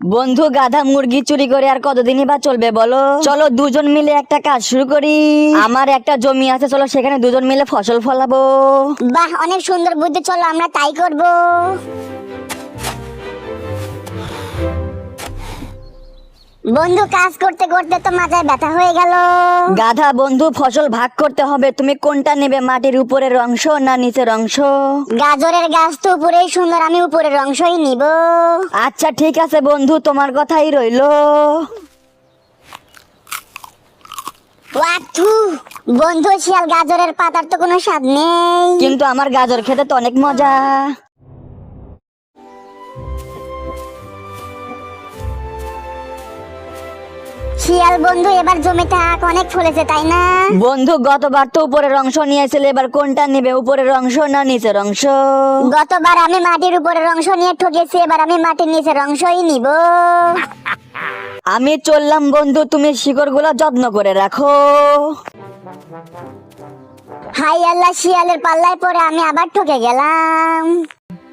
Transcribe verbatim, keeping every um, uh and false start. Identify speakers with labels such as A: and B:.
A: বন্ধু, গাধা মুরগি চুরি করে আর কতদিনই বা চলবে বলো? চলো দুজন মিলে একটা কাজ শুরু করি। আমার একটা জমি আছে, চলো সেখানে দুজন মিলে ফসল ফলাবো।
B: বাহ, অনেক সুন্দর বুদ্ধি, চলো আমরা তাই করব। বন্ধু, কাজ করতে করতে তো মাথায় ব্যথা হয়ে গেল।
A: গাধা বন্ধু, ফসল ভাগ করতে হবে, তুমি কোনটা নেবে, মাটির উপরের অংশ না নিচের অংশ?
B: গাজরের গাছ তো উপরেই সুন্দর, আমি উপরের অংশই নিব।
A: আচ্ছা ঠিক আছে বন্ধু, তোমার কথাই রইলো।
B: ওয়াথু, বন্ধু শিয়াল, গাজরের পাতার তো কোনো স্বাদ নেই।
A: কিন্তু আমার গাজর খেতে তো অনেক মজা।
B: শিয়াল বন্ধু, এবার জমিতে আখ অনেক ফলেছে তাই না?
A: বন্ধু, গতবার তো উপরের অংশ নিয়েছিলে, এবার কোনটা নেবে, উপরের অংশ না নিচের অংশ?
B: গতবার আমি মাটির উপরের অংশ নিয়ে ঠকেছি, এবার আমি মাটির নিচের অংশই নিব।
A: আমি চললাম বন্ধু, তুমি শিকড়গুলো যত্ন করে রাখো।
B: হাই আল্লাহ, শিয়ালের পাল্লায় পরে আমি আবার ঠকে গেলাম।